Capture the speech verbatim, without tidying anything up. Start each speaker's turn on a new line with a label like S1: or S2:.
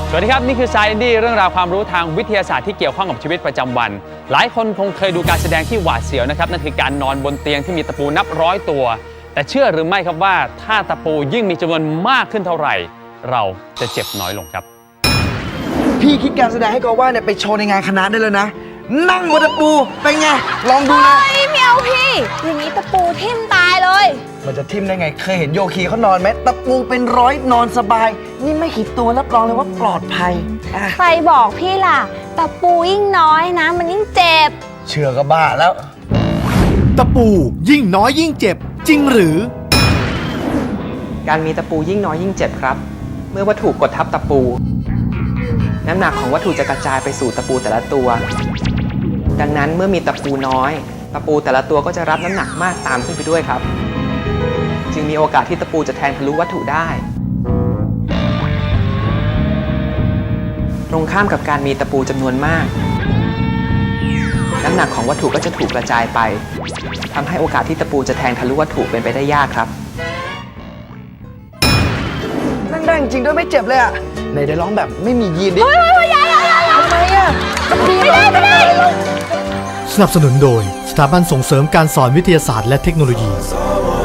S1: สวัสดีครับนี่คือ Science Indie เรื่องราวความรู้ทางวิทยาศาสตร์ที่เกี่ยวข้องกับชีวิตประจำวันหลายคนคงเคยดูการแสดงที่หวาดเสียวนะครับนั่นคือการนอนบนเตียงที่มีตะปูนับร้อยตัวแต่เชื่อหรือไม่ครับว่าถ้าตะปูยิ่งมีจำนวนมากขึ้นเท่าไหร่เราจะเจ็บน้อยลงครับ
S2: พี่คิดการแสดงให้กอว่าเนี่ยไปโชว์ในงานคณะได้เลยนะนั่งบนตะปูเป็นไงลองดูนะ
S3: เฮ้ยไม่เอาพี่อย่างนี้ตะปูทิ่มตายเลย
S2: มันจะทิ่มได้ไงเคยเห็นโยคีเขานอนไหมตะปูเป็นร้อยนอนสบายนี่ไม่ขีดตัวรับรองเลยว่าปลอดภัย
S3: ใครบอกพี่ล่ะตะปูยิ่งน้อยนะมันยิ่งเจ็บ
S2: เชื่อก็บ้าแล้ว
S4: ตะปูยิ่งน้อยยิ่งเจ็บจริงหรือ
S5: การมีตะปูยิ่งน้อยยิ่งเจ็บครับเมื่อวัตถุกดทับตะปูน้ำหนักของวัตถุจะกระจายไปสู่ตะปูแต่ละตัวดังนั้นเมื่อมีตะปูน้อยตะปูแต่ละตัวก็จะรับน้ำหนักมากตามขึ้นไปด้วยครับจึงมีโอกาสที่ตะปูจะแทงทะลุวัตถุได้ตรงข้ามกับการมีตะปูจำนวนมากน้ำหนักของวัตถุก็จะถูกกระจายไปทำให้โอกาสที่ตะปูจะแทงทะลุวัตถุเป็นไปได้ยากครับ
S2: นั่งได้จริงด้วยไม่เจ็บเลยอ่ะไหนได้ร้องแบบไม่มียีนดิ
S3: เฮ้ยเฮ้ยยายยายยาย
S2: ทำไมอ่ะ
S3: ไม่ได้ไม่ได้
S4: สนับสนุนโดยสถาบันส่งเสริมการสอนวิทยาศาสตร์และเทคโนโลยี